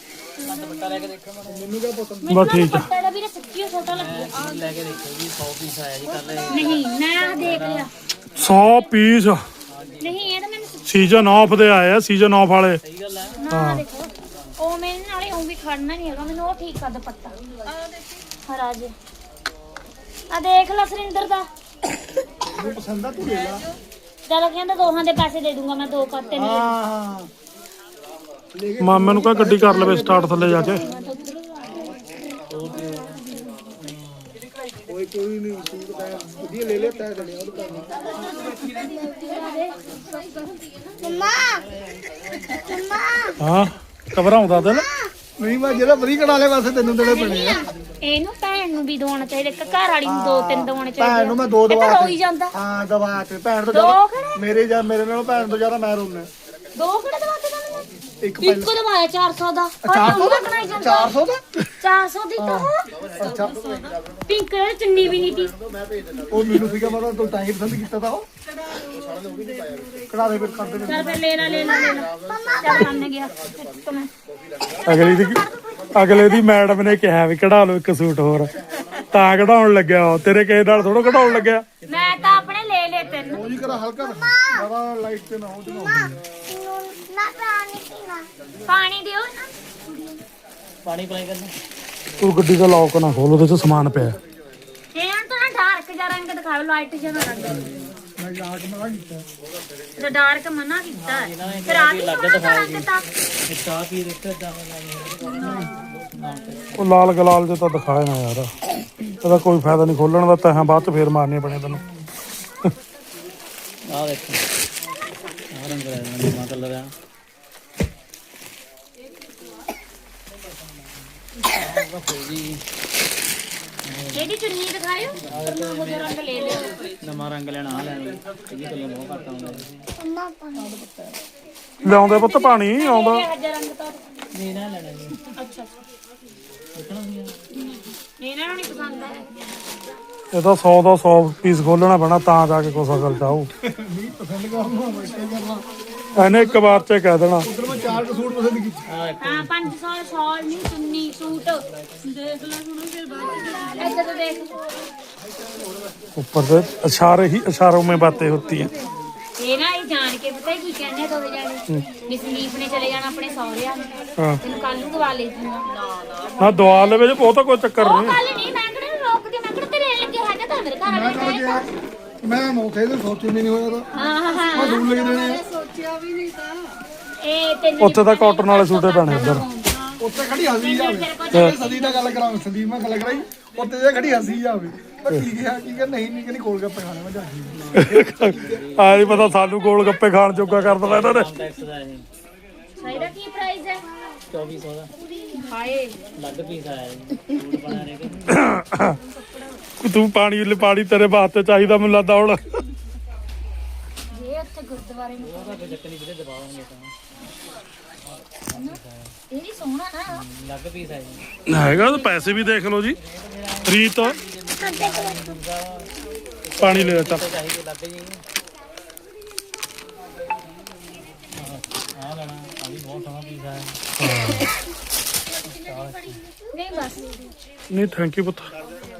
Speaker 1: ਬਸ ਠੀਕ ਆ
Speaker 3: ਪੱਟਾ ਦਾ ਵੀਰੇ ਸੱਚੀ ਓ ਛੋਟਾ ਲੱਗਿਆ
Speaker 5: ਲੈ ਕੇ ਦੇਖੋ ਜੀ 100 ਪੀਸ ਆਇਆ ਜੀ ਕੱਲ
Speaker 3: ਨਹੀਂ ਮੈਂ ਦੇਖ ਲਿਆ
Speaker 1: 100 ਪੀਸ
Speaker 3: ਨਹੀਂ ਇਹ ਤਾਂ ਮੈਨੂੰ
Speaker 1: ਸੀਜ਼ਨ ਆਫ ਦੇ ਆਏ ਆ ਸੀਜ਼ਨ ਆਫ ਵਾਲੇ
Speaker 5: ਸਹੀ ਗੱਲ ਹੈ
Speaker 3: ਨਾ ਦੇਖੋ ਉਹ ਮੇਰੇ ਨਾਲੇ ਉਹ ਵੀ ਖੜਨਾ ਨਹੀਂ ਹੈਗਾ ਮੈਨੂੰ ਉਹ ਠੀਕ ਕਰ ਦੁਪੱਟਾ ਹਰਾ ਜੇ ਆ ਦੇਖ ਲੈ ਸੁਰਿੰਦਰ ਦਾ
Speaker 2: ਤੈਨੂੰ ਪਸੰਦ ਆ ਤੂੰ ਲੈ ਲਾ
Speaker 3: ਚਲ ਕਹਿੰਦਾ ਦੋਹਾਂ ਦੇ ਪੈਸੇ ਦੇ ਦੂੰਗਾ ਮੈਂ 2 ਕਰਤੇ
Speaker 2: ਹਾਂ
Speaker 3: ਨਹੀਂ
Speaker 2: ਹਾਂ ਲੈ ਕੇ
Speaker 1: ਮਾਮੇ ਨੂੰ ਕਹ ਗੱਡੀ ਕਰ ਲਵੇ ਸਟਾਰਟ ਥੱਲੇ ਜਾ ਕੇ
Speaker 2: ਕੋਈ ਨਹੀਂ ਸੂਟ ਤਾਂ ਵਧੀਆ ਲੈ ਲੈ ਤੈ ਲਿਆ ਉਹ
Speaker 1: ਹਾਂ ਘਬਰਾਉਂਦਾ ਦਿਲ
Speaker 2: ਨਹੀਂ ਮੈਂ ਜਿਹੜਾ ਵਧੀਆ ਕਢਾ ਲਿਆ ਵਾਸਤੇ ਤੈਨੂੰ ਦੇਣੇ ਪੈਣੇ ਆ
Speaker 3: ਇਹਨੂੰ ਭੈਣ ਨੂੰ ਵੀ ਦੋਣਾ ਚਾਹੀਦਾ ਇੱਕ ਘਰ ਵਾਲੀ ਨੂੰ 2-3 ਦੋਣੇ ਚਾਹੀਦੇ
Speaker 2: ਭੈਣ ਨੂੰ ਮੈਂ 2
Speaker 3: ਇਹ
Speaker 2: ਦਵਾ
Speaker 3: ਤਾਂ ਰੋਈ ਜਾਂਦਾ
Speaker 2: ਹਾਂ ਦਵਾ ਤੇ ਭੈਣ ਤੋਂ
Speaker 3: ਦੋ
Speaker 2: ਜ਼ਿਆਦਾ
Speaker 3: ਕਿਹੜੇ
Speaker 2: ਮੇਰੇ ਨਾਲੋਂ ਭੈਣ ਤੋਂ ਜ਼ਿਆਦਾ ਮੈਂ ਰੋਣਾ
Speaker 3: 2 ਕਿਹੜੇ ਦਵਾਤੇ ਤੁਹਾਨੂੰ
Speaker 2: ਇੱਕ
Speaker 3: ਇੱਕ ਦਵਾਇਆ 400 ਦਾ
Speaker 2: 400 ਦਾ
Speaker 3: ਬਣਾਈ ਜਾਂਦਾ
Speaker 2: 400 ਦਾ
Speaker 3: 400 ਦੀ ਤਾਂ ਉਹ
Speaker 2: ਅੱਛਾ
Speaker 3: ਪਿੰਕ ਕਲਰ ਚੁੰਨੀ ਵੀ ਨਹੀਂ ਤੀ
Speaker 2: ਉਹ ਮੈਨੂੰ ਸੀਗਾ ਮਤਲਬ ਤੂੰ ਤਾਂ ਹੀ ਪਸੰਦ ਕੀਤਾ ਤਾਂ ਉਹ ਕਢਾ ਦੇ ਫਿਰ ਕਰ ਦੇ
Speaker 3: ਚੱਲ ਫਿਰ ਲੈ ਲੈ ਚੱਲ ਮੰਨ ਗਿਆ ਇੱਕ ਮੈਂ
Speaker 1: ਅਗਲੇ ਦੀ ਮੈਡਮ ਨੇ ਕਿਹਾ ਵੀ ਕਢਾ ਲਓ ਇੱਕ ਸੂਟ ਹੋਰ ਤਾਂ ਕਢਾਉਣ ਲੱਗਿਆ ਉਹ ਤੇਰੇ ਕਿਸੇ ਨਾਲ ਥੋੜਾ ਕਢਾਉਣ ਲੱਗਿਆ
Speaker 3: ਮੈਂ ਤਾਂ ਆਪਣੇ ਲੈ ਤਿੰਨ
Speaker 2: ਉਹ ਜੀ ਕਰਾ ਹਲਕਾ ਬੜਾ ਲਾਈਟ ਤੇ ਨਾ ਹੋ ਜਨਾ
Speaker 3: ਪਾਣੀ ਦਿਓ ਨਾ
Speaker 5: ਪਾਣੀ ਪਲਾਈ ਕਰਨਾ
Speaker 1: ਤੂੰ ਗੱਡੀ ਦਾ ਲੌਕ ਨਾ ਖੋਲ ਉਹਦੇ ਚ ਸਮਾਨ ਪਿਆ
Speaker 3: ਇਹਨਾਂ ਤੋਂ ਨਾ ਡਾਰਕ ਜਿਹਾ ਰੰਗ ਦਿਖਾਓ ਲਾਈਟ ਜਿਹਾ ਨਾ ਰੰਗ
Speaker 2: ਮੈਂ ਜਾ ਕੇ ਮਨਾ ਕੀਤਾ
Speaker 3: ਜੇ ਡਾਰਕ ਮਨਾ ਕੀਤਾ ਹੈ। ਫਿਰ ਆ ਵੀ ਸੋਹਣਾ ਰੰਗ ਤਾਂ
Speaker 5: ਇਹ ਚਾਹ ਪੀ ਦਿੱਤਾ ਜਾਵਾਂ
Speaker 1: ਉਹ ਲਾਲ ਗਲਾਲ ਜੇ ਤਾਂ ਦਿਖਾਏ ਨਾ ਯਾਰ ਇਹਦਾ ਕੋਈ ਫਾਇਦਾ ਨਹੀਂ ਖੋਲਣ ਦਾ ਤਹਾਂ ਬਾਅਦ ਚ ਫੇਰ ਮਾਰਨੇ ਬਣੇ ਤੈਨੂੰ
Speaker 5: ਆਹ ਦੇਖੋ ਆਹ ਰੰਗ ਲੈ ਨਵਾਂ ਕਲਰ ਆ ਜੀ
Speaker 3: ਇਹਦੀ ਚੁੰਨੀ ਦਿਖਾਇਓ ਮੈਂ ਉਹ ਰੰਗ ਲੈ ਲਿਓ
Speaker 5: ਨਵਾਂ ਰੰਗ ਲੈਣਾ ਆ ਲੈਣਾ ਇਹ ਕਲਰ ਬਹੁਤ ਘੱਟ ਆਉਂਦਾ
Speaker 1: ਲਿਆਉਂਦੇ ਪੁੱਤ ਪਾਣੀ ਆਉਂਦਾ
Speaker 3: ਇਹ ਹਜਾ ਰੰਗ ਤਾਂ
Speaker 5: ਨਹੀਂ ਨਾ ਲੈਣਾ ਜੀ
Speaker 3: ਅੱਛਾ
Speaker 5: ਦੇਖਣਾ ਨਹੀਂ
Speaker 3: ਇਹਨਾਂ ਨੂੰ ਨਹੀਂ ਪਸੰਦ ਆਇਆ
Speaker 1: ਇਹ ਤਾਂ 100 ਦਾ 100 ਪੀਸ ਖੋਲਣਾ ਪੈਣਾ ਤਾਂ ਜਾ ਕੇ ਕੁਛ ਅਕਲ ਚਾਹੂ
Speaker 2: ਨਹੀਂ ਪਸੰਦ ਕਰਨਾ ਮੈਂ ਕੀ ਕਰਨਾ
Speaker 1: ਇਹਨੇ ਇੱਕ ਵਾਰ ਚ ਕਹਿ ਦੇਣਾ
Speaker 2: ਉਧਰ ਮੈਂ 4 ਸੂਟ ਪਸੰਦ ਕੀਤੇ
Speaker 5: ਆ
Speaker 3: ਹਾਂ 500 ਸ਼ਾਲ ਨਹੀਂ ਚੁੰਨੀ ਸੂਟ ਦੇਖ ਲੈ ਹੁਣ ਫਿਰ ਬਾਅਦ ਇੱਧਰ ਦੇਖ
Speaker 1: ऊपर से इशारे ही इशारों में बातें होती हैं
Speaker 3: ਇਹ ਨਾ ਇਹ ਜਾਣ ਕੇ ਪਤਾ ਕੀ ਕਹਿੰਦੇ ਦੋਵੇਂ ਜਾਣੇ ਵੀ ਸੰਦੀਪ ਨੇ ਚਲੇ ਜਾਣਾ ਆਪਣੇ ਸਹੁਰਿਆਂ ਨੂੰ
Speaker 1: हाँ
Speaker 3: ਤੈਨੂੰ ਕੱਲ ਨੂੰ ਦਵਾ ਲੈ ਜੂਗਾ
Speaker 1: ना दवा ले ਵਿੱਚ ਬਹੁਤਾ ਕੋਈ ਚੱਕਰ
Speaker 3: ਉਹ
Speaker 1: ਨਹੀਂ
Speaker 3: ਕੱਲ ਨਹੀਂ ਮੈਂ ਕਿਹੜਾ ਰੋਕਦੀ ਮੈਂ ਕਿਹੜਾ ਤੇਰੇ ਲੱਗੇ ਹੈਗਾ ਤਾਂ ਮੇਰੇ ਘਰ
Speaker 2: ਮੈਂ
Speaker 3: ਵਾਲੇ
Speaker 2: ਤਾਂ ਮੈਂ ਮੌਕੇ ਤੇ ਸੋਚੀ ਨਹੀਂ ਹੋਇਆ ਤਾਂ
Speaker 3: ਹਾਂ ਹਾਂ
Speaker 2: ਮੈਂ ਦੂਰ ਲੈ ਦੇਣੇ
Speaker 3: ਇਹ ਤੈਨੂੰ
Speaker 1: ਉੱਥੇ ਤਾਂ ਕਾਟਨ ਵਾਲੇ ਸੂਟੇ ਪੈਣੇ ਉੱਧਰ
Speaker 2: ਉੱਥੇ ਖੜੀ ਹੱਸੀ ਜਾਵੇ ਸਦੀ ਨਾਲ ਗੱਲ ਕਰਾਂ ਸੰਦੀਪ ਮੈਂ ਗੱਲ ਕਰਾਈ ਉੱਥੇ ਜੇ ਖੜੀ ਹੱਸੀ ਜਾਵੇ ਪਰ ਕੀ ਕਿਹਾ ਕੀ ਕਿ ਨਹੀਂ ਕਿ ਨਹੀਂ ਕੋਲ ਗੱਪੇ ਖਾਣੇ ਮੈਂ ਜਾਂਦੀ
Speaker 1: ਆ ਨਹੀਂ ਪਤਾ ਸਾਨੂੰ ਗੋਲ ਗੱਪੇ ਖਾਣ ਜੋਗਾ ਕਰ ਦੇਣਾ ਇਹਨਾਂ ਨੇ
Speaker 5: ਟੈਕਸ ਦਾ ਇਹ
Speaker 3: ਸਾਈਦਾ ਕੀ ਪ੍ਰਾਈਸ ਹੈ
Speaker 5: 2400 ਦਾ
Speaker 3: ਹਾਏ
Speaker 5: ਲੱਗ ਪੀਸ ਆਇਆ ਜੀ ਸੂਟ ਬਣਾ ਰਹੇ
Speaker 1: ਤੂੰ ਪਾਣੀ ਤੇਰੇ ਵਾਸਤੇ ਚਾਹੀਦਾ ਮੈਨੂੰ ਲੱਗਦਾ ਹੁਣ
Speaker 3: ਇਹ ਉੱਥੇ ਗੁਰਦੁਆਰੇ ਨੂੰ
Speaker 5: ਉਹਦਾ ਕੋਈ ਚੱਕਰ ਨਹੀਂ ਵੀਰੇ ਦਬਾਵਾਂਗੇ ਤਾਂ
Speaker 3: ਇਹ ਵੀ ਸੋਹਣਾ ਨਾ
Speaker 5: ਲੱਗ ਪੀਸ ਆਇਆ ਜੀ
Speaker 1: ਹੈਗਾ ਤਾਂ ਪੈਸੇ ਵੀ ਦੇਖ ਲਓ ਜੀ ਰੀਤ ਪਾਣੀ ਲੈ ਚੱਪ
Speaker 5: ਚਾਹੀਦੇ ਲੱਗ ਜੀ ਆ ਲੈਣਾ ਆ ਵੀ ਬਹੁਤ ਸੋਹਣਾ ਪੀਸ ਆਇਆ
Speaker 3: ਨਹੀਂ ਬਸ
Speaker 1: ਨਹੀਂ ਥੈਂਕ ਯੂ ਪੁੱਤ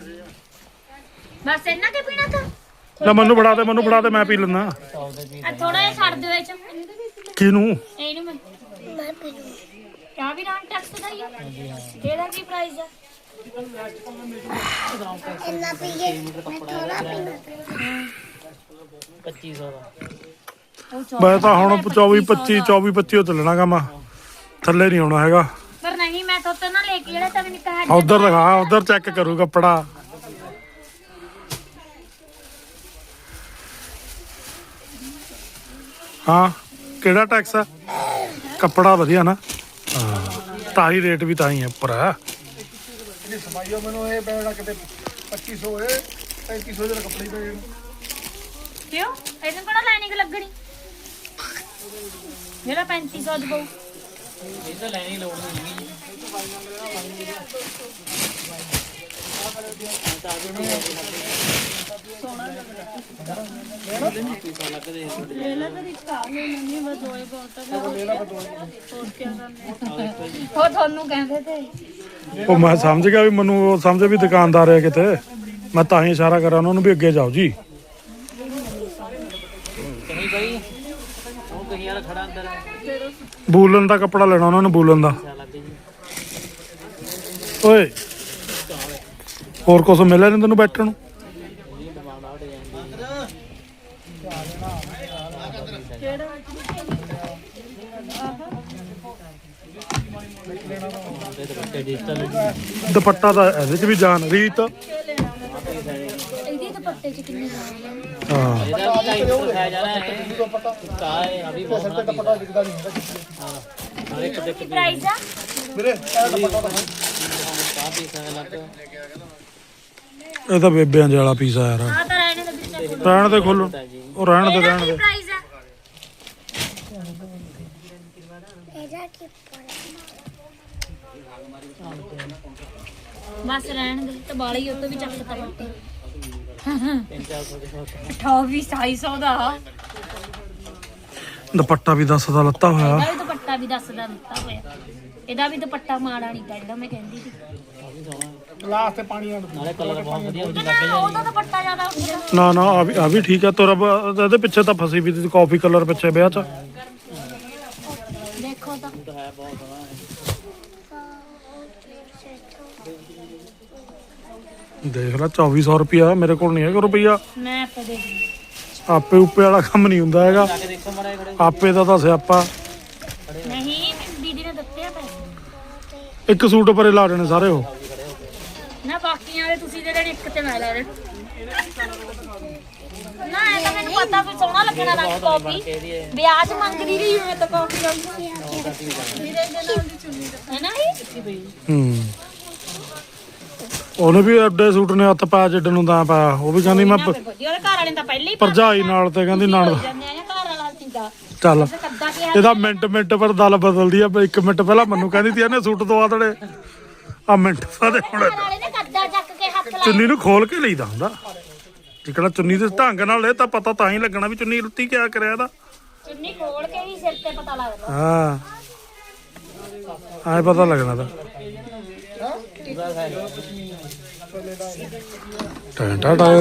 Speaker 3: ਬਸ ਇੰਨਾ ਕੇ ਪੀਣਾ ਤਾਂ
Speaker 1: ਲੈ ਮੈਨੂੰ ਫੜਾ ਦੇ ਮੈਂ ਪੀ ਲੈਣਾ
Speaker 5: ਸੌ ਦੇ ਪੀਸ
Speaker 3: ਆ ਥੋੜਾ ਜਿਹਾ ਛੱਡ ਦਿਓ ਇਹ ਚ
Speaker 1: ਕਿਹਨੂੰ
Speaker 3: ਇਹਨੂੰ ਮੈਂ ਪੀ ਲੂੰ ਕਿਆ ਵੀ ਰਾਂ ਟੈਕਸ ਦਾ ਹੀ ਆ ਇਹਦਾ ਕੀ ਪ੍ਰਾਈਸ ਆ
Speaker 5: ਇੰਨਾ ਪੀਏ ਮੈਂ ਥੋੜਾ ਪੀਣਾ 2500 ਦਾ
Speaker 1: ਮੈਂ ਤਾਂ ਹੁਣ 24-25 ਚੱਲਣਾ ਗਾ ਮੈਂ ਥੱਲੇ ਨਹੀਂ ਆਉਣਾ ਹੈਗਾ
Speaker 3: ਪਰ ਨਹੀਂ ਮੈਂ ਤਾਂ ਉੱਤੇ ਨਾ ਲੈ ਕੇ ਜਿਹੜਾ ਤਾਂ ਮੈਨੂੰ ਕਹਾ
Speaker 1: ਉਧਰ ਦਿਖਾ ਉਧਰ ਚੈੱਕ ਕਰੂ ਕੱਪੜਾ ਹਾਂ ਕਿਹੜਾ ਟੈਕਸ ਆ ਕੱਪੜਾ ਵਧੀਆ ਨਾ ਹਾਂ ਤਾਂ ਹੀ ਰੇਟ ਵੀ ਤਾਂ ਹੀ ਹੈ ਉੱਪਰ ਆ
Speaker 2: ਇਹ ਸਮਾਈਓ ਮੈਨੂੰ ਇਹ ਪੈਣਾ ਕਿਤੇ 2500 ਹੋਏ 3500 ਦੇ ਕੱਪੜੇ ਪੈ ਗਏ
Speaker 3: ਕਿਉਂ ਇਹਨੂੰ ਕਿਹੜਾ ਲਾਈਨਿੰਗ ਲੱਗਣੀ ਜਿਹੜਾ 3500 ਚ ਪਊ
Speaker 5: ਇਹ ਤਾਂ ਲੈਣੀ ਲੋੜ ਨਹੀਂ
Speaker 3: ਲੈ ਲੈ ਫਿਰ ਇੱਕ ਆ ਲੈ ਲੈਣੀ ਬਸ ਦੋਏ ਬਹੁਤ ਹੋਰ ਕੀ ਕਰਨਾ ਉਹ ਤੁਹਾਨੂੰ ਕਹਿੰਦੇ ਤੇ
Speaker 1: ਉਹ ਮੈਂ ਸਮਝ ਗਿਆ ਵੀ ਮੈਨੂੰ ਉਹ ਸਮਝੇ ਵੀ ਦੁਕਾਨਦਾਰ ਹੈ ਕਿਤੇ, ਮੈਂ ਤਾਂ ਹੀ ਇਸ਼ਾਰਾ ਕਰਾਂ ਉਹਨਾਂ ਨੂੰ ਵੀ ਅੱਗੇ ਜਾਓ ਜੀ।
Speaker 5: ਕਹੀਂ ਬਈ ਉਹ ਕਹੀਂ ਵਾਲਾ ਖੜਾ ਅੰਦਰ
Speaker 1: ਬੂਲਨ ਦਾ ਕੱਪੜਾ ਲੈਣਾ ਉਹਨਾਂ ਨੂੰ, ਬੂਲਨ ਦਾ।
Speaker 5: ਲੱਗ ਜੀ
Speaker 1: ਓਏ ਹੋਰ ਕੁਛ ਮਿਲਿਆ ਨਹੀਂ ਤੈਨੂੰ ਬੈਠਣ ਨੂੰ?
Speaker 5: ਡਿਜੀਟਲ
Speaker 1: ਦੁਪੱਟਾ ਤਾਂ ਇਹਦੇ 'ਚ ਵੀ ਜਾਨ ਰੀਤ।
Speaker 3: ਇਹਦੇ ਦੁਪੱਟੇ 'ਚ ਕਿੰਨੇ ਜਾਣੇ
Speaker 1: ਹਾਂ
Speaker 5: ਇਹਦਾ ਵੀ ਟਾਈਮ ਦਿਖਾਇਆ ਜਾਣਾ ਹੈ ਕਾ ਹੈ ਅਭੀ ਬਹੁਤ
Speaker 2: ਸਿਰ ਤੇ ਦੁਪੱਟਾ ਦਿਖਦਾ ਨਹੀਂ ਹੁੰਦਾ
Speaker 5: ਹਾਂ ਹਰ ਇੱਕ ਦੇਖ
Speaker 3: ਪ੍ਰਾਈਸ ਆ
Speaker 2: ਵੀਰੇ ਇਹ ਦੁਪੱਟਾ ਤਾਂ
Speaker 5: ਕਾਫੀ समय ਲੱਗ
Speaker 1: ਇਹ ਤਾਂ ਬੇਬਿਆਂ ਦੇ ਵਾਲਾ ਪੀਸ ਆ ਯਾਰ।
Speaker 3: ਆ ਤਾਂ ਰਹਿਣੇ ਦੇ ਵਿੱਚ
Speaker 1: ਰਹਿਣ ਦੇ ਖੋਲੋ, ਉਹ ਰਹਿਣ ਦੇ ਰਹਿਣ ਦੇ।
Speaker 3: ਪ੍ਰਾਈਸ ਆ ਬਸ ਰਹਿਣ ਦੇ ਤੇ ਬਾਲੇ ਹੀ ਉਹ ਤੋਂ ਵੀ ਚੱਕ ਤਾ ਬੱਟੇ
Speaker 5: 300 ਦੇ
Speaker 3: 2800 ਦਾ
Speaker 1: ਦੁਪੱਟਾ ਵੀ 10 ਦਾ ਲੱਤਾ ਹੋਇਆ।
Speaker 3: ਇਹਦਾ ਵੀ ਦੁਪੱਟਾ ਵੀ ਦੱਸਦਾ ਦਿੱਤਾ ਹੋਇਆ, ਇਹਦਾ ਵੀ ਦੁਪੱਟਾ ਮਾੜਾ ਨਹੀਂ ਤਾ ਜਿਹੜਾ ਮੈਂ ਕਹਿੰਦੀ ਸੀ।
Speaker 2: ਗਲਾਸ ਤੇ ਪਾਣੀ ਆਣ
Speaker 5: ਨਾਲੇ ਕਲਰ ਬਹੁਤ ਵਧੀਆ ਹੋ
Speaker 3: ਨਾ ਉਹਦਾ ਦੁਪੱਟਾ ਜ਼ਿਆਦਾ ਉੱਠਦਾ
Speaker 1: ਨਾ ਨਾ ਆ ਵੀ ਠੀਕ ਆ ਤੋਰਾ। ਇਹਦੇ ਪਿੱਛੇ ਤਾਂ ਫਸੀ ਵੀ ਤੀ ਕਾਫੀ ਕਲਰ ਪਿੱਛੇ ਵਿਆਹ 'ਚ।
Speaker 3: ਦੇਖੋ ਤਾਂ
Speaker 5: ਹੈ ਬਹੁਤ ਸੋਹਣਾ ਹੈ
Speaker 1: ਦੇਖ ਲੈ 2400 ਰੁਪਿਆ, ਮੇਰੇ ਕੋਲ ਨਹੀਂ ਹੈਗਾ ਰੁਪਈਆ।
Speaker 3: ਮੈਂ ਆਪੇ ਦੇਖ ਲਈ।
Speaker 1: ਆਪੇ ਉੱਪੇ ਵਾਲਾ ਕੰਮ ਨਹੀਂ ਹੁੰਦਾ ਹੈਗਾ,
Speaker 5: ਜਾ ਕੇ ਦੇਖੋ ਮਾੜਾ ਜਿਹਾ ਖੜੇ
Speaker 1: ਆਪੇ ਦਾ ਤਾਂ ਸਿਆਪਾ।
Speaker 3: ਨਹੀਂ ਦੀਦੀ ਨੇ ਦਿੱਤੇ ਆ ਪੈਸੇ
Speaker 1: ਇੱਕ ਸੂਟ ਪਰੇ ਲਾ ਦੇਣੇ ਸਾਰੇ ਉਹ।
Speaker 3: ਨਾ ਬਾਕੀਆਂ ਦੇ ਤੁਸੀਂ ਦੇ ਦੇਣੇ, ਇੱਕ ਤੇ ਮੈਂ ਲੈ ਲੈਣਾ। ਨਾ ਇਹ ਤਾਂ ਮੈਨੂੰ ਪਤਾ ਵੀ ਸੋਹਣਾ ਲੱਗਣਾ ਰੰਗ ਕਾਫੀ ਵਿਆਜ ਮੰਗਦੀ ਰਹੀ ਮੈਂ ਤਾਂ ਕਾਫੀ ਰੰਗ ਵੀਰੇ ਦੇ ਨਾਲ ਦੀ ਚੁੰਨੀ ਦਾ ਹੈ ਨਾ ਇਹ
Speaker 1: ਉਹਨੇ ਵੀ ਐਡੇ ਸੂਟ ਨੇ ਹੱਥ ਪਾਇਆ ਜਿੱਡ ਨੂੰ ਤਾਂ ਪਾਇਆ। ਉਹ ਵੀ ਕਹਿੰਦੀ ਮੈਂ
Speaker 3: ਉਹਦੇ ਘਰ ਵਾਲੇ ਨੇ ਤਾਂ ਪਹਿਲੇ ਹੀ
Speaker 1: ਭਰਜਾਈ ਨਾਲ ਤੇ ਕਹਿੰਦੀ ਨਾਲ
Speaker 3: ਜਾਂਦੇ ਆ ਘਰ ਵਾਲਾ ਸੀਗਾ
Speaker 1: ਚੱਲ।
Speaker 3: ਕੱਦਾ ਕਿਹਾ
Speaker 1: ਇਹਦਾ ਮਿੰਟ ਪਰ ਦਲ ਬਦਲਦੀ ਆ। 1 ਮਿੰਟ ਪਹਿਲਾਂ ਮੈਨੂੰ ਕਹਿੰਦੀ ਤੀ ਇਹਨੇ ਸੂਟ ਦਵਾ ਦੇਣੇ, ਆ ਮਿੰਟ ਬਾਅਦ ਹੁਣ
Speaker 3: ਘਰ ਵਾਲੇ ਨੇ ਕੱਦਾ ਚੱਕ ਕੇ ਹੱਥ ਲਾਇਆ
Speaker 1: ਚੁੰਨੀ ਨੂੰ ਖੋਲ ਕੇ ਲਈਦਾ ਹੁੰਦਾ। ਜਿਹੜਾ ਚੁੰਨੀ ਦੇ ਢੰਗ ਨਾਲ ਇਹ ਤਾਂ ਪਤਾ ਤਾਂ ਹੀ ਲੱਗਣਾ ਵੀ ਚੁੰਨੀ ਲੁੱਤੀ ਕਿਆ ਕਰਿਆ ਇਹਦਾ।
Speaker 3: ਚੁੰਨੀ ਖੋਲ ਕੇ ਹੀ ਸਿਰ ਤੇ ਪਤਾ ਲੱਗਦਾ।
Speaker 1: ਹਾਂ ਆਏ ਪਤਾ ਲੱਗਣਾ ਤਾਂ। ਟਾਂ ਟਾਂ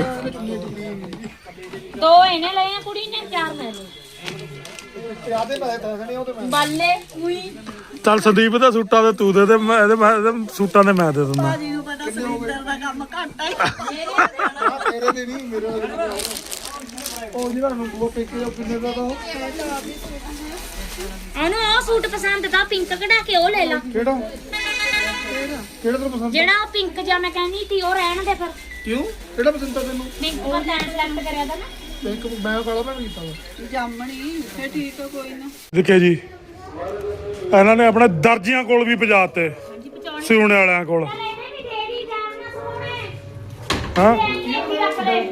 Speaker 3: ਦੋ ਇਹਨੇ ਲਏ ਆ ਕੁੜੀ ਨੇ, 4 ਮੈਂ ਲਏ
Speaker 2: ਆਦੇ ਪੈਸੇ ਦੱਸਣੇ ਉਹ ਤੇ ਮੈਂ
Speaker 3: ਬਾਲੇ ਉਈ
Speaker 1: ਚੱਲ ਸੰਦੀਪ ਦੇ ਸੂਟਾਂ ਦੇ ਤੂੰ ਦੇ ਮੈਂ ਇਹਦੇ ਸੂਟਾਂ ਦੇ ਮੈਂ ਦੇ ਦਿੰਦਾ।
Speaker 3: ਨੂੰ ਪਤਾ ਸੁਰਿੰਦਰ ਦਾ ਕੰਮ ਘੱਟ ਹੈ
Speaker 2: ਤੇਰੇ ਦੇ ਨਹੀਂ ਮੇਰੇ ਉਹ ਜਿਹੜਾ ਨੂੰ ਉਹ ਪੇਕੇ ਦਾ ਕਿੰਨੇ ਦਾ ਉਹ
Speaker 3: ਇਹਨੂੰ ਉਹ ਸੂਟ ਪਸੰਦ ਤਾਂ ਪਿੰਕ ਕਢਾ ਕੇ ਉਹ ਲੈ ਲਾ।
Speaker 2: ਕਿਹੜਾ ਕਿਹੜਾ ਤੈਨੂੰ ਪਸੰਦ
Speaker 3: ਜਿਹੜਾ ਉਹ ਪਿੰਕ ਜਿਹਾ ਮੈਂ ਕਹਿੰਦੀ ਸੀ ਉਹ ਰਹਿਣ ਦੇ ਫਿਰ।
Speaker 2: ਕਿਉਂ ਕਿਹੜਾ ਪਸੰਦ ਆ ਤੈਨੂੰ
Speaker 3: ਪਿੰਕ ਦਾ ਟੈਨ ਸਿਲੈਕਟ ਕਰਿਆ ਤਾਂ ਨਾ।
Speaker 2: ਇੱਕ ਮੈਂ ਕਾਲਾ ਮੈਂ ਕੀਤਾ ਵਾ
Speaker 4: ਜਾਮਣੀ ਫੇ ਠੀਕ ਆ ਕੋਈ ਨਾ
Speaker 1: ਦੇਖੇ ਜੀ ਇਹਨਾਂ ਨੇ ਆਪਣੇ ਦਰਜੀਆਂ ਕੋਲ ਵੀ ਪਜਾਤੇ, ਸਿਉਣੇ ਵਾਲਿਆਂ ਕੋਲ।
Speaker 3: ਇਹਨੇ ਵੀ ਦੇ ਦੀ ਜਾਨ ਨਾ ਸੋਹਣੇ
Speaker 1: ਹਾਂ
Speaker 3: ਇਹਨੇ ਵੀ ਰੱਖ ਲੈ।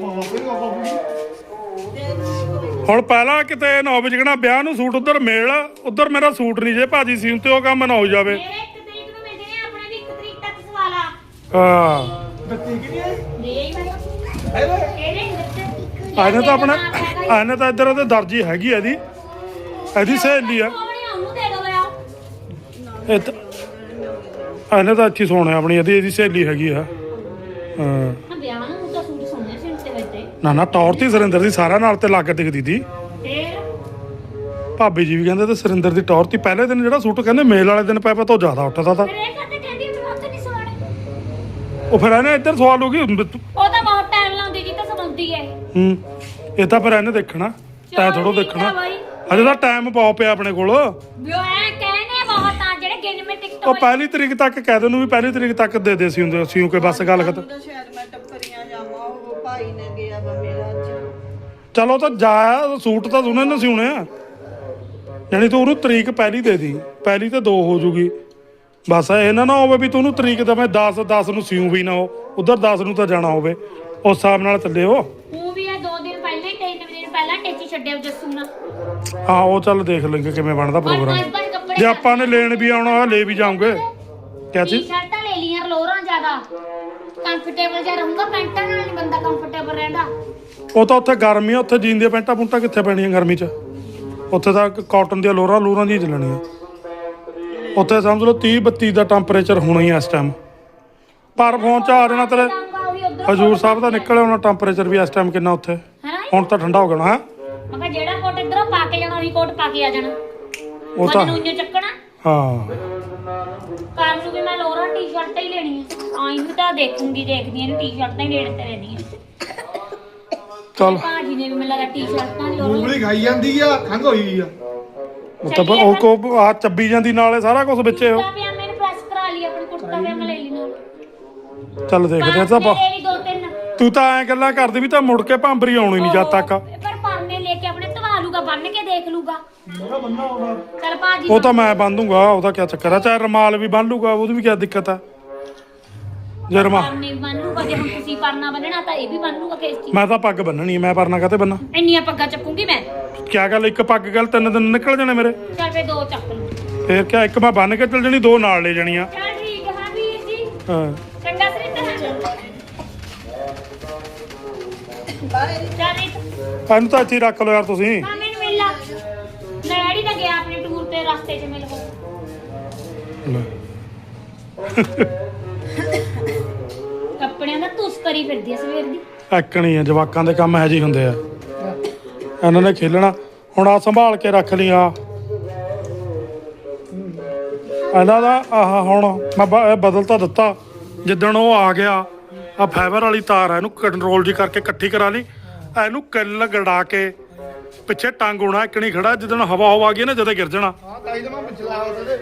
Speaker 1: ਹੁਣ ਪਹਿਲਾਂ ਕਿਤੇ ਨਾ ਹੋਵੇ ਜਿਹੜਾ ਵਿਆਹ ਨੂੰ ਸੂਟ ਉਧਰ ਮੇਲ, ਉਧਰ ਮੇਰਾ ਸੂਟ ਨਹੀਂ ਜੇ ਭਾਜੀ ਸੀਨ ਤੇ ਉਹ ਕੰਮ ਨਾ ਹੋ ਜਾਵੇ।
Speaker 3: ਮੇਰੇ 1 ਤਰੀਕ ਨੂੰ ਮਿਲਦੇ ਨੇ, ਆਪਣੇ ਵੀ 1 ਤਰੀਕ ਤੱਕ ਸਵਾਲਾ
Speaker 1: ਹਾਂ
Speaker 2: ਬੱਤੀ ਕਿਹਦੀ ਹੈ
Speaker 3: ਦੇ ਹੀ ਮੈਨੂੰ ਇਹਨੇ ਨਹੀਂ ਦਿੱਤੇ।
Speaker 1: ਇਹਨੇ ਤਾਂ ਆਪਣਾ ਇਹਨੇ ਤਾਂ ਇੱਧਰ ਉਹਦੇ ਦਰਜੀ ਹੈਗੀ ਆ ਇਹਦੀ ਸਹੇਲੀ ਆ।
Speaker 3: ਉਹਨੂੰ ਦੇ ਦੋ ਯਾਰ।
Speaker 1: ਇਹ ਤਾਂ ਇਹਨੇ ਤਾਂ ਅੱਛੀ ਸੋਹਣਾ ਆਪਣੀ ਇਹਦੀ ਸਹੇਲੀ ਹੈਗੀ ਆ। ਹਾਂ
Speaker 3: ਨਾ ਵਿਆਹ ਨੂੰ ਤਾਂ ਸੂਟ ਸੋਹਣੇ ਸੀ ਤੇ ਵੱਡੇ
Speaker 1: ਨਾ ਟੌਰ ਤੀ ਸੁਰਿੰਦਰ ਦੀ ਸਾਰਿਆਂ ਨਾਲ ਤੇ ਲੱਗ ਦਿਖਦੀ ਤੀ।
Speaker 3: ਫੇਰ
Speaker 1: ਭਾਬੀ ਜੀ ਵੀ ਕਹਿੰਦੇ ਤੇ ਸੁਰਿੰਦਰ ਦੀ ਟੌਰ ਤੀ। ਪਹਿਲੇ ਦਿਨ ਜਿਹੜਾ ਸੂਟ ਕਹਿੰਦੇ ਮੇਲ ਵਾਲੇ ਦਿਨ ਪਾਇਆ ਤੋਂ ਜ਼ਿਆਦਾ ਉੱਠਦਾ ਤਾ।
Speaker 3: ਫਿਰ ਇਹ ਕਹਿੰਦੇ ਕਹਿੰਦੀ ਮੈਂ ਉੱਥੇ ਨਹੀਂ ਸਵਾਣੇ।
Speaker 1: ਉਹ ਫਿਰ ਇਹਨੇ ਇੱਧਰ ਸਵਾਲ ਹੋ ਗਈ।
Speaker 3: ਉਹ ਤਾਂ ਬਹੁਤ ਟਾਈਮ ਲਾਉਂਦੀ ਜੀ ਤਾਂ ਸਮਾਉਂਦੀ ਹੈ
Speaker 1: ਇਹ ਤਾਂ ਫਿਰ ਇਹਨੇ ਦੇਖਣਾ, ਤੈਂ ਥੋੜੋ ਦੇਖਣਾ। ਅਜੇ ਤਾਂ ਟਾਈਮ ਪਾਓ ਪਿਆ ਆਪਣੇ ਕੋਲ।
Speaker 3: ਵੀ ਉਹ ਐ ਕਹਿੰਦੇ ਬਹੁਤ ਆ ਜਿਹੜੇ ਗਿਣ ਮੇ ਟਿਕਟ
Speaker 1: ਉਹ 1 ਤਰੀਕ ਤੱਕ ਕਹਿ ਦੇ ਨੂੰ ਵੀ 1 ਤਰੀਕ ਤੱਕ ਦੇ ਸੀ ਹੁੰਦੇ ਅਸੀਂ ਕਿ ਬਸ ਗੱਲ ਖਤਮ।
Speaker 4: ਤਾਂ ਸ਼ਾਇਦ ਮੈਂ ਟੱਪਰੀਆਂ ਜਾਵਾਂ ਉਹ ਭਾਈ ਨੇ ਗਿਆ ਵਾ ਮੇਰਾ ਅੱਜ
Speaker 1: ਚਲੋ ਤਾਂ ਜਾ, ਸੂਟ ਤਾਂ ਉਹਨੇ ਨਾ ਸਿਉਣੇ ਆ। ਯਾਨੀ ਤੂੰ ਉਹਨੂੰ ਤਰੀਕ ਪਹਿਲੀ ਦੇ ਦੀ, ਪਹਿਲੀ ਤੇ 2 ਹੋ ਜੂਗੀ। ਬਸ ਇਹ ਨਾ ਹੋਵੇ ਵੀ ਤੂੰ ਉਹਨੂੰ ਤਰੀਕ ਦਵੇਂ 10 ਨੂੰ ਸਿਉ ਵੀ ਨਾ ਹੋ, ਉਧਰ 10 ਨੂੰ ਤਾਂ ਜਾਣਾ ਹੋਵੇ। ਉਸ ਹਿਸਾਬ ਨਾਲ ਚੱਲਿਓ।
Speaker 3: ਉਹ ਵੀ ਆ 2 ਦਿਨ ਪਹਿਲਾਂ ਹੀ 3 ਦਿਨ ਪਹਿਲਾਂ ਟੇਚੀ ਛੱਡਿਆ ਜੱਸੂ ਨਾਲ।
Speaker 1: ਹਾਂ ਉਹ ਚੱਲ ਦੇਖ ਲੈਂਗੇ ਕਿਵੇਂ ਬਣਦਾ
Speaker 3: ਔਰ
Speaker 1: ਪ੍ਰੋਗਰਾਮ।
Speaker 3: ਬਸ ਕੱਪੜੇ
Speaker 1: ਜੇ ਆਪਾਂ ਨੇ ਲੈਣ ਵੀ ਆਉਣਾ ਹੋਇਆ ਲੈ ਵੀ ਜਾਉਂਗੇ ਕਿਆ ਚੀਜ਼
Speaker 3: ਟੀ-ਸ਼ਰਟਾਂ ਲੈ ਲੀਆਂ ਲੋਰਾਂ ਜ਼ਿਆਦਾ ਕੰਫਰਟੇਬਲ ਜਿਹਾ ਰਹੂੰਗਾ ਪੈਂਟਾਂ ਨਾਲ ਨਹੀਂ ਬੰਦਾ ਕੰਫਰਟੇਬਲ ਰਹਿੰਦਾ
Speaker 1: ਉਹ ਤਾਂ ਉੱਥੇ ਗਰਮੀ ਆ ਉੱਥੇ ਜੀਨ ਦੀਆਂ ਪੈਂਟਾਂ ਪੁੰਟਾਂ ਕਿੱਥੇ ਪੈਣੀਆਂ ਗਰਮੀ 'ਚ ਉੱਥੇ ਤਾਂ ਕਾਟਨ ਦੀਆਂ ਲੋਰਾਂ ਦੀ ਚੱਲਣੀਆਂ ਉੱਥੇ ਸਮਝ ਲਓ 30-32 ਦਾ ਟੈਂਪਰੇਚਰ ਹੋਣਾ ਹੀ ਇਸ ਟਾਈਮ ਪਰ ਫੋਨ 'ਚ ਆ ਜਾਣਾ ਤੇਰੇ ਹਜੂਰ ਸਾਹਿਬ ਦਾ ਨਿਕਲਿਆ ਹੋਣਾ ਟੈਂਪਰੇਚਰ ਵੀ ਇਸ ਟਾਈਮ ਕਿੰਨਾ ਉੱਥੇ
Speaker 3: ਹੈਨਾ
Speaker 1: ਹੁਣ ਤਾਂ ਠੰਡਾ ਹੋ ਗਿਆ ਹੈ
Speaker 3: ਮੈਂ ਕਿਹਾ ਜਿਹੜਾ ਕੋਟ ਇਧਰੋਂ ਪਾ ਕੇ ਜਾਣਾ ਉਹੀ ਕੋਟ ਪਾ ਕੇ ਆ ਜਾਣਾ
Speaker 1: ਉਹ ਤਾਂ
Speaker 3: ਮੈਨੂੰ ਇੰਨੇ ਚੱਕਣਾ
Speaker 1: ਹਾਂ
Speaker 3: ਕੱਲ ਨੂੰ ਵੀ ਮੈਂ ਲੋਰਾਂ ਟੀ-ਸ਼ਰਟਾਂ ਹੀ ਲੈਣੀਆਂ ਆਈ ਨੂੰ ਤਾਂ ਦੇਖਦੀ ਇਹਨੂੰ ਟੀ-ਸ਼ਰਟਾਂ ਹੀ ਲੈਣ ਤੇ ਰਹਿੰਦੀਆਂ
Speaker 1: ਚੱਲ
Speaker 3: ਭਾਜੀ ਨੇ ਵੀ ਮੈਨੂੰ ਲੱਗਾ ਟੀ-ਸ਼ਰਟਾਂ ਲੋਰਾਂ
Speaker 2: ਮੂੰਗਲੀ ਖਾਈ ਜਾਂਦੀ ਆ ਖੰਘ ਹੋਈ ਆ
Speaker 1: ਉਹ ਤਾਂ ਉਹ ਕੋ ਆ ਚੱਬੀ ਜਾਂਦੀ ਨਾਲੇ ਸਾਰਾ ਕੁਝ ਵਿੱਚੇ ਉਹ
Speaker 3: ਕੁੜਤਾ ਪਜਾਮੇ ਨੂੰ ਪ੍ਰੈਸ ਕਰਾ ਲਈ ਆਪਣੀ ਕੁੜਤਾ ਪਜਾਮਾ ਲੈ ਲਈ ਨਾਲ
Speaker 1: ਚੱਲ ਦੇਖਦੇ ਆ ਤਾਂ
Speaker 3: ਲੈ ਲਈ ਦੋ ਤਿੰਨ
Speaker 1: ਤੂੰ ਤਾਂ ਐਂ ਗੱਲਾਂ ਕਰਦੀ ਵੀ ਤਾਂ ਮੁੜ ਕੇ ਭਾਂਬਰੀ ਆਉਣੀ ਨਹੀਂ ਜਦ ਤੱਕ
Speaker 3: ਪਰ ਪਰਨੇ ਲੈ ਕੇ ਆਪਣੇ ਧਵਾ ਲੂਗਾ ਬੰਨ ਕੇ ਦੇਖ ਲੂਗਾ ਚੱਲ ਭਾਜੀ
Speaker 1: ਉਹ ਤਾਂ ਮੈਂ ਬੰਨ ਦੂੰਗਾ ਉਹਦਾ ਕੀ ਚੱਕਰ ਆ ਚਾਹੇ ਰਮਾਲ ਵੀ ਬੰਨ ਲੂਗਾ ਉਹਦੀ ਵੀ ਕੀ ਦਿੱਕਤ ਆ ਜੇ ਰਮਾਲ
Speaker 3: ਪਰਨੇ ਵੀ ਬੰਨ ਲੂਗਾ ਜੇ ਹੁਣ ਤੁਸੀਂ ਪਰਨਾ ਬੰਨਣਾ ਤਾਂ ਇਹ ਵੀ ਬੰਨ ਲੂਗਾ ਕਿਸ ਚੀਜ਼
Speaker 1: ਮੈਂ ਤਾਂ ਪੱਗ ਬੰਨਣੀ ਮੈਂ ਪਰਨਾ ਕਾਤੇ ਬੰਨਾ
Speaker 3: ਇੰਨੀਆਂ ਪੱਗਾਂ ਚੱਕੂਗੀ ਮੈਂ
Speaker 1: ਕਿਆ ਗੱਲ ਇੱਕ ਪੱਗ ਗੱਲ 3 ਦਿਨ ਨਿਕਲ ਜਾਣੇ ਮੇਰੇ
Speaker 3: ਚੱਲ ਫੇ ਦੋ ਚੱਕ ਲੂ
Speaker 1: ਫੇਰ ਕਿਆ ਇੱਕ ਮੈਂ ਬੰਨ ਕੇ ਚੱਲ ਜਣੀ 2 ਨਾਲ ਲੈ ਜਾਣੀਆਂ
Speaker 3: ਚੱਲ ਠੀਕ ਹੈ ਵੀਰ ਜੀ
Speaker 1: ਹਾਂ
Speaker 3: ਚੰਗਾ ਸਰਿੰਦਰ
Speaker 4: ਬਾਹਰ
Speaker 3: ਚੱਲ ਇੱਕ
Speaker 1: ਇਹਨੂੰ ਤਾਂ ਇੱਥੇ ਹੀ ਰੱਖ ਲਓ ਯਾਰ ਤੁਸੀਂ
Speaker 3: ਮਾਮੇ ਨੂੰ ਮਿਲ ਲਾ ਡੈਡੀ ਤਾਂ ਗਿਆ ਆਪਣੇ ਟੂਰ ਤੇ ਰਸਤੇ 'ਚ ਮਿਲ ਹੋ ਕੱਪੜਿਆਂ ਦਾ ਤੁਸ ਕਰੀ ਫਿਰਦੀ ਆ ਸਵੇਰ ਦੀ
Speaker 1: ਐਕਣੀ ਆ ਜਵਾਕਾਂ ਦੇ ਕੰਮ ਇਹੋ ਜਿਹੇ ਹੁੰਦੇ ਆ ਇਹਨਾਂ ਨੇ ਖੇਲਣਾ ਹੁਣ ਆ ਸੰਭਾਲ ਕੇ ਰੱਖ ਲਈ ਆ ਇਹਨਾਂ ਦਾ ਆਹ ਹੁਣ ਮੈਂ ਇਹ ਬਦਲ ਤਾਂ ਦਿੱਤਾ ਜਿੱਦਣ ਉਹ ਆ ਗਿਆ ਆ ਫਾਈਬਰ ਵਾਲੀ ਤਾਰ ਆ ਇਹਨੂੰ ਕੰਟਰੋਲ ਜੀ ਕਰਕੇ ਇਕੱਠੀ ਕਰਾ ਲਈ ਇਹਨੂੰ ਕਿੱਲ ਗੜਾ ਕੇ ਪਿੱਛੇ ਟੰਗ ਹੋਣਾ ਇੱਕਣੀ ਖੜਾ ਜਿੱਦਣ ਹਵਾ ਆ ਗਈ ਨਾ ਜਦੇ ਗਿਰ ਜਾਣਾ
Speaker 2: ਹਾਂ ਤਾਈ ਤਾਂ ਮੈਂ ਪਿਛਲਾ ਉਹਦੇ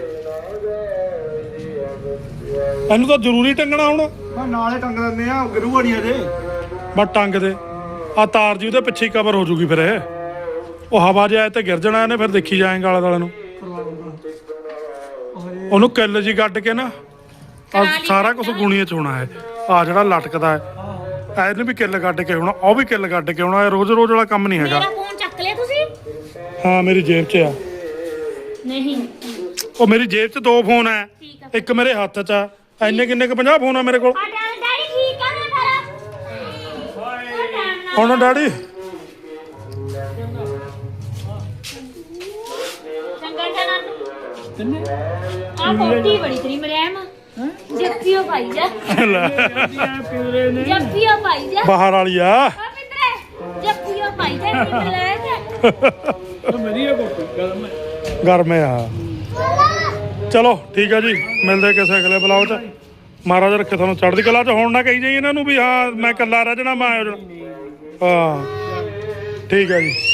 Speaker 1: ਇਹਨੂੰ ਤਾਂ ਜ਼ਰੂਰੀ ਟੰਗਣਾ ਹੁਣ
Speaker 2: ਮੈਂ ਨਾਲੇ ਟੰਗ ਦਿੰਦੇ ਆ ਗਰੂਆ ਨਹੀਂ ਅਜੇ
Speaker 1: ਬਸ ਟੰਗ ਦੇ ਆ ਤਾਰ ਜੀ ਉਹਦੇ ਪਿੱਛੇ ਕਵਰ ਹੋ ਜੂਗੀ ਫਿਰ ਇਹ ਉਹ ਹਵਾ ਜੇ ਆਏ ਤੇ ਗਿਰ ਜਾਣਾ ਇਹਨੇ ਫਿਰ ਦੇਖੀ ਜਾਏਗਾ ਆਲੇ ਦੁਆਲੇ ਨੂੰ ਉਹਨੂੰ ਕਿੱਲ ਜੀ ਗੱਡ ਕੇ ਨਾ ਆਹ ਸਾਰਾ ਕੁਝ ਗੁਣੀਆਂ ਚ ਹੋਣਾ ਹੈ ਆ ਜਿਹੜਾ ਲਟਕਦਾ ਹੈ ਇਹਨੂੰ ਵੀ ਕਿੱਲ ਗੱਡ ਕੇ ਹੋਣਾ ਉਹ ਵੀ ਕਿੱਲ ਗੱਡ ਕੇ ਹੋਣਾ ਇਹ ਰੋਜ਼ ਵਾਲਾ ਕੰਮ ਨਹੀਂ ਹੈਗਾ
Speaker 3: ਮੇਰਾ ਫੋਨ ਚੱਕ ਲਿਆ ਤੁਸੀਂ
Speaker 1: ਹਾਂ ਮੇਰੀ ਜੇਬ 'ਚ ਆ
Speaker 3: ਨਹੀਂ
Speaker 1: ਉਹ ਮੇਰੀ ਜੇਬ 'ਚ 2 ਫੋਨ ਹੈ
Speaker 3: ਠੀਕ ਆ
Speaker 1: ਇੱਕ ਮੇਰੇ ਹੱਥ 'ਚ ਆ ਇੰਨੇ ਕਿੰਨੇ ਕ 50 ਫੋਨ ਆ ਮੇਰੇ ਕੋਲ
Speaker 3: ਆ ਡੈਡੀ ਠੀਕ ਆ ਨਾ ਮੇਰਾ
Speaker 1: ਹੁਣ ਡੈਡੀ
Speaker 3: ਚੰਗਾ ਜਨਾ ਆ ਕੋਟੀ ਬੜੀ ਤੇਰੀ ਮਰਿਆਮ ਜੱਫੀਓ ਪਾਈ ਜਾ ਜੱਫੀਓ ਪਾਈ ਜਾ
Speaker 1: ਬਾਹਰ ਵਾਲੀ ਆ
Speaker 3: ਆ ਮਿੱਤਰੇ ਜੱਫੀਓ ਪਾਈ ਜਾ ਨੀ ਲੈ ਜਾ
Speaker 1: ਗਰਮ ਆ ਚਲੋ ਠੀਕ ਆ ਜੀ ਮਿਲਦੇ ਕਿਸੇ ਅਗਲੇ ਬਲੌਗ 'ਚ ਮਹਾਰਾਜ ਰੱਖੇ ਤੁਹਾਨੂੰ ਚੜ੍ਹਦੀ ਕਲਾ 'ਚ ਹੁਣ ਨਾ ਕਹੀ ਜਾਈ ਇਹਨਾਂ ਨੂੰ ਵੀ ਹਾਂ ਮੈਂ ਇਕੱਲਾ ਰਹਿ ਜਾਣਾ ਮੈਂ ਆ ਜਾਣਾ ਹਾਂ ਠੀਕ ਆ ਜੀ